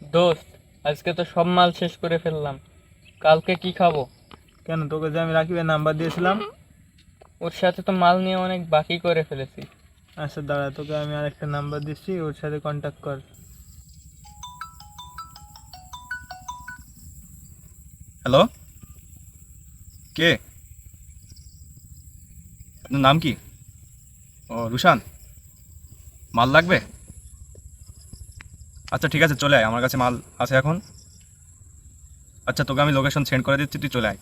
দোস্ত, আজকে তো সব মাল শেষ করে ফেললাম। কালকে কি খাবো? কেন, তোকে যে আমি রাকিবের নাম্বার দিয়েছিলাম? ওর সাথে তো মাল নিয়ে অনেক বাকি করে ফেলেছি। আচ্ছা দাঁড়া, তোকে আমি আরেকটা নাম্বার দিচ্ছি, ওর সাথে কন্ট্যাক্ট কর। হ্যালো, কে? আপনার নাম কি? ও রুশান, মাল লাগবে? আচ্ছা ঠিক আছে, চলে আয়, আমার কাছে মাল আছে এখন। আচ্ছা, তোকে আমি লোকেশন সেন্ড করে দিচ্ছি, তুই চলে আয়।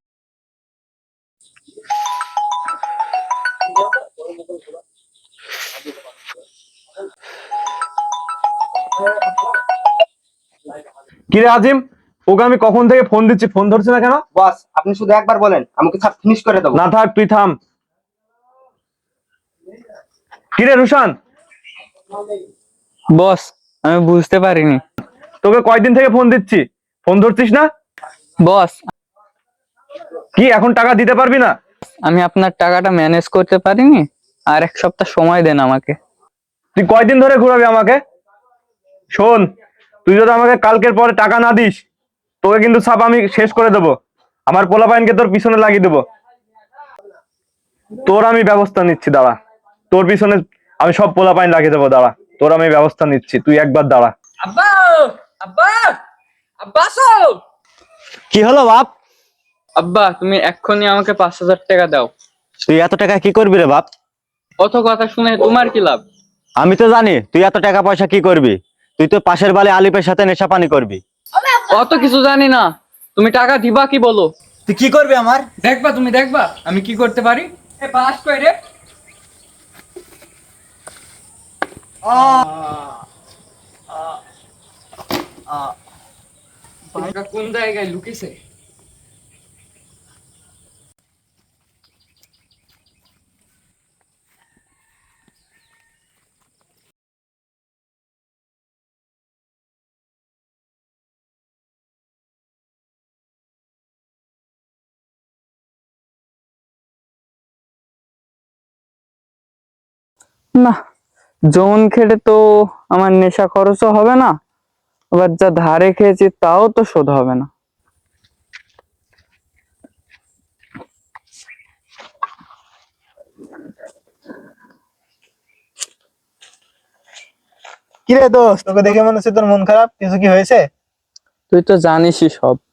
কিরে আজিম, ওকে আমি কখন থেকে ফোন দিচ্ছি, ফোন ধরছে না কেন? বস, আপনি শুধু একবার বলেন, আমাকে সব ফিনিশ করে দেবো। না থাক, তুই থাম। কিরে রুশান, বস, আমি বুঝতে পারিনি। তোকে কয়দিন থেকে ফোন দিচ্ছি, ফোন ধরছিস না? বস, কি এখন টাকা দিতে পারবি না? আমি আপনার টাকাটা ম্যানেজ করতে পারিনি, আর এক সপ্তাহ সময় দেন আমাকে। তুই কয়দিন ধরে ঘুরাবি আমাকে? শোন, তুই যদি আমাকে কালকের পরে টাকা না দিস, তোকে কিন্তু সাপ আমি শেষ করে দেবো। আমার পোলাপাইনকে তোর পিছনে লাগিয়ে দেবো। তোর আমি ব্যবস্থা নিচ্ছি, দাঁড়া। তোর পিছনে আমি সব পোলাপাইন লাগিয়ে দেবো, দাঁড়া। তোর আমি ব্যবস্থা নিচ্ছি, তুই একবার দাঁড়া। আব্বা, আব্বা, আব্বা আসো। কি হলো বাপ? আব্বা, তুমি এক্ষুনি আমাকে 5,000 টাকা দাও। তুই এত টাকা কি করবি রে বাপ? অত কথা শুনে তোমার কি লাভ? আমি তো জানি তুই এত টাকা পয়সা কি করবি। তুই তো পাশের বাড়ি আলিপের সাথে নেশা পানি করবি। অত কিছু জানি না, তুমি টাকা দিবা কি বলো? তুই কি করবি আমার? দেখবা, তুমি দেখবা আমি কি করতে পারি। এ পাস কই রে? টাকা কোন জায়গায় লুকিয়েছে? না, যৌন খেটে তো আমার নেশা খরচও হবে না, আবার যা ধারে খেয়েছি তাও তো শোধ হবে না। কি রে দোস্ত, তোকে দেখে মনে হচ্ছে তোর মন খারাপ, কিছু কি হয়েছে? তুই তো জানিসই সব।